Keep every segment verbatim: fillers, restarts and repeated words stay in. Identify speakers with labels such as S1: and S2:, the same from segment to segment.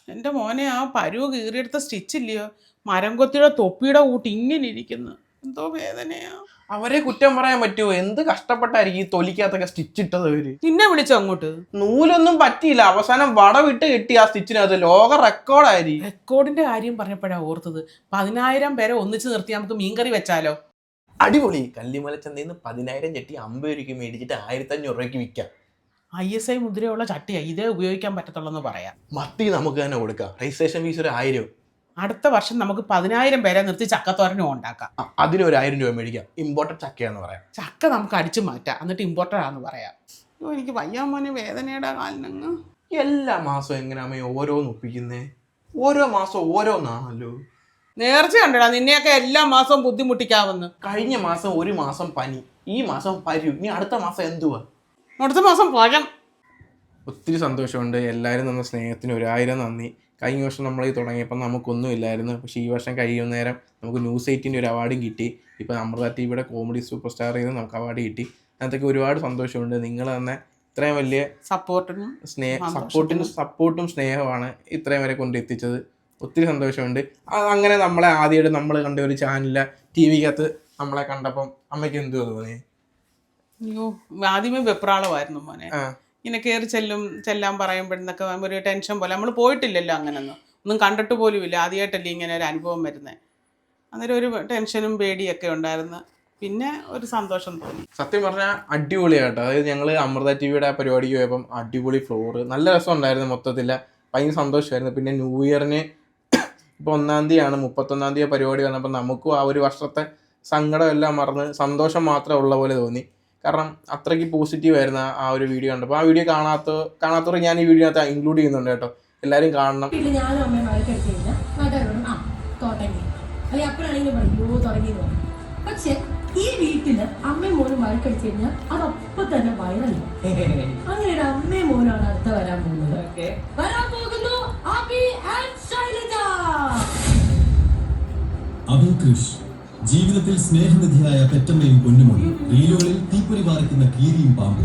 S1: എൻ്റെ മോനെ ആ പരുവ് കീറിയെടുത്ത സ്റ്റിച്ചില്ലയോ മരം കൊത്തിയുടെ തൊപ്പിയുടെ കൂട്ടി ഇങ്ങനെ ഇരിക്കുന്നു. എന്തോ വേദനയാ.
S2: അവരെ കുറ്റം പറയാൻ പറ്റുമോ? എന്ത് കഷ്ടപ്പെട്ടായിരിക്കും ഈ തൊലിക്കകത്തൊക്കെ സ്റ്റിച്ച് ഇട്ടത് അവര്.
S1: നിന്നെ വിളിച്ചോ അങ്ങോട്ട്?
S2: നൂലൊന്നും പറ്റിയില്ല, അവസാനം വടവിട്ട് കിട്ടി ആ സ്റ്റിച്ചിനകത്ത്. ലോക റെക്കോർഡായിരിക്കും.
S1: റെക്കോർഡിന്റെ കാര്യം പറഞ്ഞപ്പോഴാണ് ഓർത്തത്. പതിനായിരം പേരെ ഒന്നിച്ച് നിർത്തി നമുക്ക് മീൻകറി വെച്ചാലോ?
S2: അടിപൊളി. കല്ലിമല ചന്തയിൽ നിന്ന് പതിനായിരം ചട്ടി അമ്പത് രൂപയ്ക്ക് മേടിച്ചിട്ട് ആയിരത്തി അഞ്ഞൂറ് രൂപയ്ക്ക് വിൽക്കാം.
S1: ഐ എസ് ഐ മുദ്രയുള്ള ചട്ടിയാ, ഇതേ ഉപയോഗിക്കാൻ പറ്റത്തുള്ളൂ പറയാം.
S2: മത്തി നമുക്ക് തന്നെ കൊടുക്കാം. രജിസ്ട്രേഷൻ ഫീസ് ഒരു ആയിരം.
S1: അടുത്ത വർഷം നമുക്ക് പതിനായിരം പേരെ നിർത്തി ചക്കത്തോരനും ഉണ്ടാക്കാം.
S2: അതിനൊരു ആയിരം രൂപ മേടിക്കാം. ഇമ്പോർട്ടഡ് ചക്കയാന്ന് പറയാം.
S1: ചക്ക നമുക്ക് അടിച്ചു മാറ്റാം, എന്നിട്ട് ഇമ്പോർട്ടഡ് ആണെന്ന് പറയാം. എനിക്ക് വയ്യാൻ മോനെ, വേദനയുടെ കാലിനങ്ങ്.
S2: എല്ലാ മാസവും എങ്ങനെയാ ഓരോന്ന് ഒപ്പിക്കുന്നേ? ഓരോ മാസം ഓരോന്നാണല്ലോ.
S1: നേർച്ച കണ്ടടാ നിന്നെയൊക്കെ എല്ലാ മാസവും ബുദ്ധിമുട്ടിക്കാവുന്നു.
S2: കഴിഞ്ഞ മാസം ഒരു മാസം പനി, ഈ മാസം പരു, ഇനി അടുത്ത മാസം എന്തുവാ?
S1: അടുത്ത മാസം പഴം.
S2: ഒത്തിരി സന്തോഷമുണ്ട്. എല്ലാവരും തന്ന സ്നേഹത്തിന് ഒരായിരം നന്ദി. കഴിഞ്ഞ വർഷം നമ്മൾ ഈ തുടങ്ങിയപ്പോൾ നമുക്കൊന്നും ഇല്ലായിരുന്നു. പക്ഷേ ഈ വർഷം കഴിയുന്ന നേരം നമുക്ക് ന്യൂസ് എയ്റ്റിൻ്റെ ഒരു അവാർഡും കിട്ടി. ഇപ്പോൾ അമൃത ടി വിയുടെ കോമഡി സൂപ്പർ സ്റ്റാറിൽ നിന്ന് നമുക്ക് അവാർഡ് കിട്ടി. അതിനകത്തൊക്കെ ഒരുപാട് സന്തോഷമുണ്ട്. നിങ്ങൾ തന്നെ ഇത്രയും വലിയ
S1: സപ്പോർട്ടിനും
S2: സ്നേഹ സപ്പോർട്ടിനും സപ്പോർട്ടും സ്നേഹമാണ് ഇത്രയും വരെ കൊണ്ടെത്തിച്ചത്. ഒത്തിരി സന്തോഷമുണ്ട്. അങ്ങനെ നമ്മളെ ആദ്യമായിട്ട് നമ്മൾ കണ്ട ഒരു ചാനലിലെ ടി വിക്കകത്ത് നമ്മളെ കണ്ടപ്പം അമ്മയ്ക്ക് എന്തുവാ തോന്നി?
S1: അയ്യോ, ആദ്യമേ വെപ്രാളമായിരുന്നു മോനെ. ഇങ്ങനെ കയറി ചെല്ലും ചെല്ലാൻ പറയുമ്പോഴെന്നൊക്കെ ഒരു ടെൻഷൻ പോലെ. നമ്മൾ പോയിട്ടില്ലല്ലോ, അങ്ങനൊന്നും ഒന്നും കണ്ടിട്ട് പോലും ഇല്ല. ആദ്യമായിട്ടല്ലേ ഇങ്ങനെ ഒരു അനുഭവം വരുന്നത്. അന്നേരം ഒരു ടെൻഷനും പേടിയൊക്കെ ഉണ്ടായിരുന്നു. പിന്നെ ഒരു സന്തോഷം തോന്നി.
S2: സത്യം പറഞ്ഞാൽ അടിപൊളിയാട്ടോ. അതായത് ഞങ്ങൾ അമൃത ടി വിയുടെ പരിപാടിക്ക് പോയപ്പം അടിപൊളി ഫ്ലോറ്, നല്ല രസം ഉണ്ടായിരുന്നു. മൊത്തത്തിൽ ഭയങ്കര സന്തോഷമായിരുന്നു. പിന്നെ ന്യൂ ഇയറിന് ഇപ്പോൾ ഒന്നാം തീയതിയാണ്, മുപ്പത്തൊന്നാം തീയതി പരിപാടി വന്നപ്പോൾ നമുക്കും ആ ഒരു വർഷത്തെ സങ്കടം എല്ലാം മറന്ന് സന്തോഷം മാത്രമേ ഉള്ള പോലെ തോന്നി. കാരണം അത്രയ്ക്ക് പോസിറ്റീവ് ആയിരുന്നു ആ ഒരു വീഡിയോ കണ്ടപ്പോൾ. ആ വീഡിയോ കാണാത്ത കാണാത്തവർ ഞാൻ ഈ വീഡിയോനകത്ത് ഇൻക്ലൂഡ് ചെയ്യുന്നുണ്ട് കേട്ടോ. എല്ലാവരും കാണണം.
S3: പക്ഷെ ഈ വീട്ടില് അമ്മയും മോനും വഴക്കടിച്ചു കഴിഞ്ഞാൽ അതപ്പൊ തന്നെ വൈറലായി. അങ്ങനെ ഒരു അമ്മയും മോനാണ് അടുത്ത വരാൻ പോകുന്നത്. വരാൻ പോകുന്നു അഭി ആൻഡ് ശൈലജ.
S4: അഭി കൃഷ് ജീവിതത്തിൽ സ്നേഹനിധിയായ പെറ്റമ്മയും പൊന്നുമോനും, റീലുകളിൽ തീപ്പൊരി പാറിക്കുന്ന കീരിയും പാമ്പും.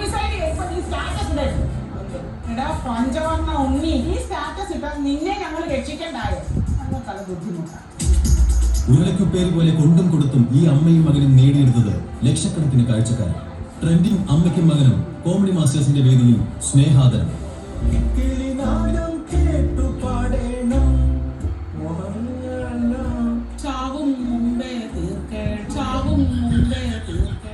S1: പഞ്ചവർണ്ണ ഉണ്ണി, ഈ സ്റ്റാറ്റസ് ഇട്ടാൽ നിന്നെ ഞങ്ങൾ രക്ഷിക്കണ്ടായോ? ഞങ്ങൾക്കത് ബുദ്ധിമുട്ടാണ്.
S4: ഉരുളക്കുപ്പേര് പോലെ കൊണ്ടും കൊടുത്തും ഈ അമ്മയും മകനും നേടിയെടുത്തത് ലക്ഷക്കണക്കിന് കാഴ്ചക്കാർ. ട്രെൻഡിങ് അമ്മയ്ക്കും മകനും കോമഡി മാസ്റ്റേഴ്സിന്റെ വേദിയിൽ സ്നേഹാദരം.
S1: ചാവും മുമ്പേ തീർക്കേ, ചാവും മുമ്പേ തീർക്കേ.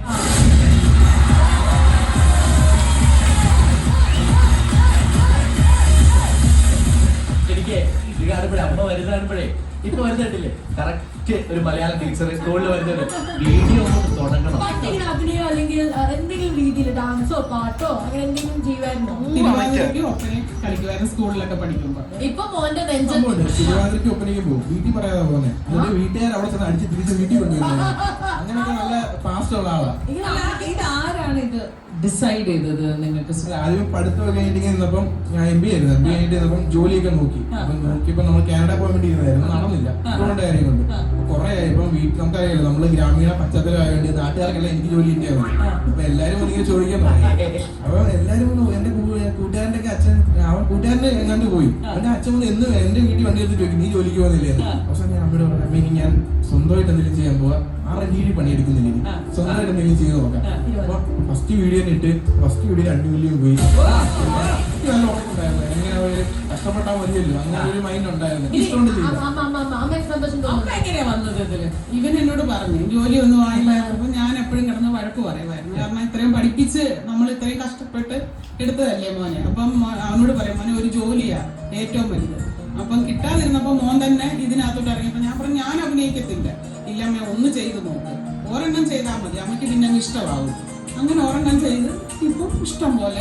S5: എനിക്ക് ഈ കാണുമ്പോഴേ അമ്മ വരുന്ന കാണുമ്പോഴേ ഇപ്പൊ വരുന്നിട്ടില്ലേ കറക്റ്റ് ഒരു മലയാളം ടീച്ചർ സ്കൂളിൽ വരുന്നുണ്ട്. വീഡിയോ തുടങ്ങണം.
S3: അഭിനയോ അല്ലെങ്കിൽ എന്തെങ്കിലും രീതിയിൽ ഡാൻസോ പാട്ടോ അങ്ങനെ എന്തെങ്കിലും ചെയ്യുമായിരുന്നോ?
S1: കളിക്കുമായിരുന്നു സ്കൂളിലൊക്കെ പഠിക്കുമ്പോ.
S3: ഇപ്പൊ മോന്റെ നെഞ്ചുണ്ട്.
S6: തിരുവാതിരക്ക് ഒപ്പനയ്ക്ക് പോകും. വീട്ടിൽ പറയാതെ പോന്നെ. വീട്ടുകാർ അവിടെ ചെന്ന് അടിച്ച് തിരിച്ച് വീട്ടിൽ കൊണ്ടുവരുന്നത്. അങ്ങനെയൊക്കെ നല്ല ഫാസ്റ്റ് ഉള്ള ആളാ.
S3: ഇത് ആരാണ് ഇത് ഡിസൈഡ് ചെയ്തത് നിങ്ങൾക്ക്?
S6: ആദ്യം പഠിത്തം കഴിഞ്ഞിട്ട് നിന്നപ്പം ഞാൻ എം ബി ആയിരുന്നു. എം ബി കഴിഞ്ഞിട്ട് നിന്നപ്പം ജോലിയൊക്കെ നോക്കി. അപ്പൊ നോക്കിയപ്പോ നമ്മൾ കാനഡ പോകാൻ വേണ്ടി ഇരുന്നായിരുന്നു. നടന്നില്ല, അതുകൊണ്ട് കാര്യം കൊണ്ട് കുറെ ആയി. ഇപ്പം വീട്ടിൽ നമുക്കറിയാലോ, നമ്മള് ഗ്രാമീണ പശ്ചാത്തലം ആയതുകൊണ്ട് നാട്ടുകാർക്കെല്ലാം എനിക്ക് ജോലി കിട്ടിയാൽ മതി. അപ്പൊ എല്ലാരും ഇങ്ങനെ ചോദിക്കാൻ തുടങ്ങി. അപ്പൊ എല്ലാരും എന്റെ കൂട്ടുകാരന്റെ ഒക്കെ അച്ഛൻ, അവൻ കൂട്ടുകാരന്റെ എങ്ങാണ്ട് പോയി. അവന്റെ അച്ഛൻ കൊണ്ട് എന്ന് എന്റെ വീട്ടിൽ വണ്ടി എടുത്ത് ചോദിക്കും നീ ജോലിക്ക് പോകുന്നില്ലേ? പക്ഷെ ഞാൻ അമ്മയോട് പറഞ്ഞു അമ്മ ഇനി ഞാൻ സ്വന്തമായിട്ട് എന്തെങ്കിലും ചെയ്യാൻ പോവാ, ആരുടെ കീഴിൽ പണിയെടുക്കുന്നില്ല, ഇനി സ്വന്തമായിട്ട് എന്തെങ്കിലും ചെയ്ത് നോക്കാം. അപ്പൊ ഫസ്റ്റ് വീഡിയോ ഇട്ട് ഫസ്റ്റ് വീഡിയോ രണ്ട് മില്യൺ പോയി. നല്ല ഉറപ്പുണ്ടായിരുന്നു. എങ്ങനെ കഷ്ടപ്പെട്ടാൽ മതിയല്ലോ, അങ്ങനെ ഒരു മൈൻഡ് ഉണ്ടായിരുന്നു. ഇഷ്ടമുണ്ട് ചെയ്തു.
S1: എങ്ങനെയാ വന്നത് ഇതില്? ഇവൻ എന്നോട് പറഞ്ഞു ജോലി ഒന്നും ആയില്ലായിരുന്നു. ഞാൻ എപ്പോഴും കിടന്ന് വഴക്ക് പറയുമായിരുന്നു. കാരണം ഇത്രയും പഠിപ്പിച്ച് നമ്മൾ ഇത്രയും കഷ്ടപ്പെട്ട് എടുത്തതല്ലേ മോനെ. അപ്പം അവനോട് പറയാം മോനെ ഒരു ജോലിയാ ഏറ്റവും വലുത്. അപ്പം കിട്ടാതിരുന്നപ്പോ മോൻ തന്നെ ഇതിനകത്തോട്ട് ഇറങ്ങിയപ്പോ ഞാൻ പറഞ്ഞു ഞാൻ അഭിനയിക്കത്തില്ല. ഇല്ല അമ്മ ഒന്ന് ചെയ്ത് നോക്ക്, ഒരെണ്ണം ചെയ്താൽ മതി, അമ്മയ്ക്ക് പിന്നെ ഇഷ്ടമാവും. അങ്ങനെ ഒരെണ്ണം ചെയ്ത് ഇപ്പൊ ഇഷ്ടം പോലെ.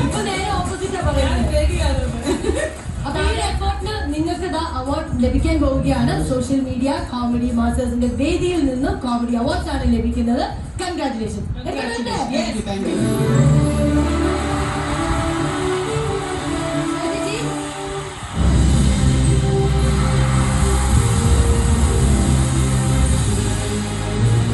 S3: നിങ്ങൾക്ക് അവാർഡ് ലഭിക്കാൻ പോവുകയാണ്. സോഷ്യൽ മീഡിയ കോമഡി മാസ്റ്റേഴ്സിന്റെ വേദിയിൽ നിന്നും കോമഡി അവാർഡ്സ് ആണ് ലഭിക്കുന്നത്. കൺഗ്രാറ്റുലേഷൻ.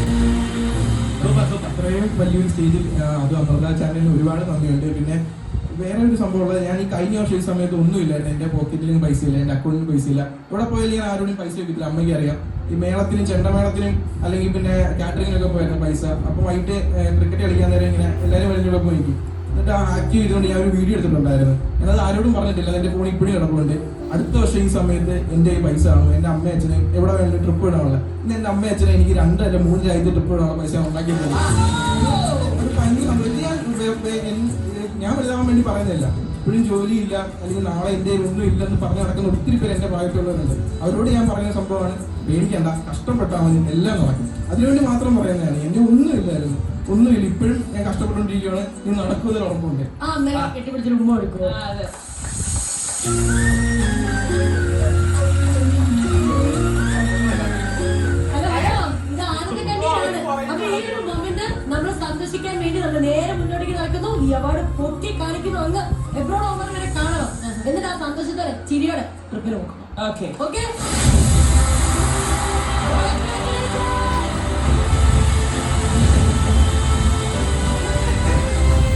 S6: അത്രയും വലിയൊരു സ്റ്റേജിൽ അത് അമൃത ചാനലിന് ഒരുപാട് നന്ദിയുണ്ട്. പിന്നെ വേറെ ഒരു സംഭവം ഉള്ളത്, ഞാൻ ഈ കഴിഞ്ഞ വർഷം ഈ സമയത്ത് ഒന്നുമില്ലായിരുന്നു. എന്റെ പോക്കറ്റിലും പൈസ ഇല്ല, എന്റെ അക്കൗണ്ടിലും പൈസ ഇല്ല. ഇവിടെ പോയാലും ഞാൻ ആരോടും പൈസ വെക്കില്ല. അമ്മയ്ക്ക് അറിയാം. ഈ മേളത്തിനും ചെണ്ടമേളത്തിനും അല്ലെങ്കിൽ പിന്നെ കാറ്ററിങ്ങിനൊക്കെ പോയിരുന്നു പൈസ. അപ്പൊ വൈകിട്ട് ക്രിക്കറ്റ് കളിക്കാൻ നേരം ഇങ്ങനെ എല്ലാവരും വലിയ പോയി നിൽക്കും. എന്നിട്ട് ആക്റ്റീവ് ചെയ്തുകൊണ്ട് ഞാൻ ഒരു വീഡിയോ എടുത്തിട്ടുണ്ടായിരുന്നു. ഞാനത് ആരോടും പറഞ്ഞിട്ടില്ല. എന്റെ ഫോൺ ഇപ്പോഴും കിടപ്പുണ്ട്. അടുത്ത വർഷം ഈ സമയത്ത് എന്റെ ഈ പൈസ കാണും. എന്റെ അമ്മ അച്ഛനെ എവിടെ വേണ്ട ട്രിപ്പ് ഇടാനുള്ള ഇന്ന് എന്റെ അമ്മ അച്ഛനെ എനിക്ക് രണ്ടല്ല മൂന്ന് രാജ്യത്ത് ട്രിപ്പ് ഇടാനുള്ള പൈസ ഉണ്ടാക്കി തരും. ഒരു ഭയങ്കര സംഭവം. ഞാൻ ഞാൻ വലുതാവാൻ വേണ്ടി പറയുന്നില്ല. ഇപ്പോഴും ജോലിയില്ല അല്ലെങ്കിൽ നാളെ എൻ്റെ ഒന്നും ഇല്ലെന്ന് പറഞ്ഞ് നടക്കുന്ന ഒത്തിരി പേര് എൻ്റെ പ്രായത്തുള്ളവരുണ്ട്. അവരോട് ഞാൻ പറയുന്ന സംഭവമാണ്, പേടിക്കണ്ട, കഷ്ടപ്പെട്ടാൽ മതി, എല്ലാം നടക്കും. അതിനുവേണ്ടി മാത്രം പറയുന്നതാണ്. എൻ്റെ ഒന്നും ഇല്ലായിരുന്നു, ഒന്നുമില്ല. ഇപ്പോഴും ഞാൻ കഷ്ടപ്പെട്ടുകൊണ്ടിരിക്കുകയാണ്. ഇത് നടക്കുന്നതിൽ ഉറപ്പുണ്ട്.
S3: ആ അമ്മ കെട്ടിപ്പിടിച്ചൊരു ഉമ്മ കൊടുക്കുമോ? നമ്മളെ സന്ദർശിക്കാൻ വേണ്ടി നമ്മൾ നേരെ മുന്നോട്ടേക്ക് നടക്കുന്നു. ഈ അവാർഡ് പൊട്ടി കാണിക്കുന്നു. അങ്ങ് എബ്രോഡ് ഓവർ വരെ കാണണം. എന്നിട്ട് ആ സന്തോഷത്തോടെ ചിരിയോടെ ട്രിപ്പിൽ നോക്കണം. ഓക്കെ.